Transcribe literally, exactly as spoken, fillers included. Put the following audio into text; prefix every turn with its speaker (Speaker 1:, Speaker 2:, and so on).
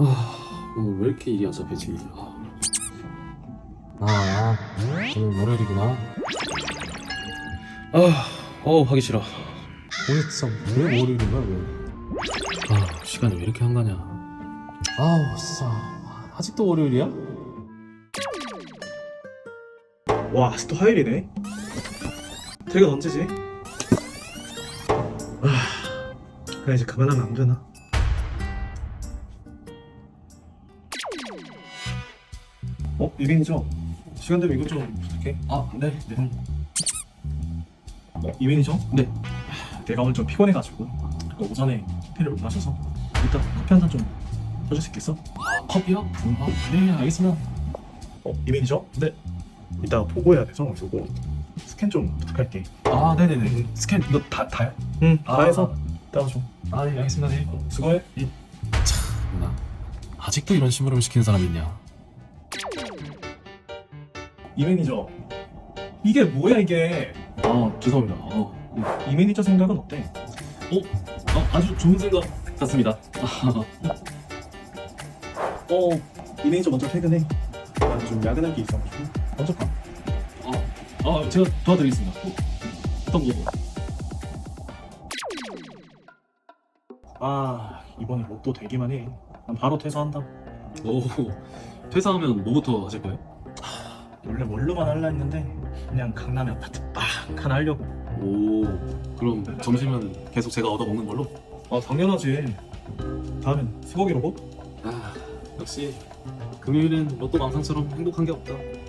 Speaker 1: 아, 오늘 왜 이렇게 일이 안 잡히지? 아,
Speaker 2: 아, 오늘 월요일이구나.
Speaker 1: 아, 어우 하기 싫어.
Speaker 2: 오늘 진짜 왜 월요일인 거야, 왜?
Speaker 1: 아, 시간이 왜 이렇게 한가냐?
Speaker 2: 아우, 진짜. 아직도 월요일이야?
Speaker 3: 와, 아직도 화요일이네. 퇴근 언제지? 아, 그래 이제 그만하면 안 되나? 어, 이빈이죠? 시간 되면 이것 좀 부탁해.
Speaker 1: 아, 네, 네.
Speaker 3: 어, 이빈이죠?
Speaker 1: 네.
Speaker 3: 내가 오늘 좀 피곤해가지고 오전에 커피를 못 마셔서 이따 커피 한 잔 좀 해줄 수 있겠어?
Speaker 1: 아, 커피요? 아, 네, 알겠습니다.
Speaker 3: 어, 이빈이죠? 네. 이따 보고해야 돼서 그리고 스캔 좀 부탁할게.
Speaker 1: 아, 네네네. 스캔 이거 다 다요?
Speaker 3: 응, 다
Speaker 1: 아.
Speaker 3: 해서 따라줘.
Speaker 1: 아, 네, 알겠습니다. 네.
Speaker 3: 수고해.
Speaker 1: 나 아직도 이런 심부름을 시키는 사람이 있냐?
Speaker 3: 이 매니저, 이게 뭐야 이게?
Speaker 1: 아, 죄송합니다. 어,
Speaker 3: 이 매니저 생각은 어때?
Speaker 1: 어, 어 아주 좋은 생각 같습니다.
Speaker 3: 어, 이 매니저 먼저 퇴근해. 나는 좀 야근할 게 있어가지고 먼저 가.
Speaker 1: 아, 아, 제가 도와드리겠습니다. 어, 어떤 거?
Speaker 3: 아, 이번에 로또 되기만 해. 난 바로 퇴사한다.
Speaker 1: 오, 퇴사하면 뭐부터 하실 거예요?
Speaker 3: 원래 뭘로만 할라 했는데 그냥 강남에 아파트 빵 하나 하려고.
Speaker 1: 오, 그럼 점심은 계속 제가 얻어 먹는 걸로?
Speaker 3: 아, 당연하지. 다음엔 소고기 로봇?
Speaker 1: 아, 역시 금요일은 로또 망상처럼 행복한 게 없다.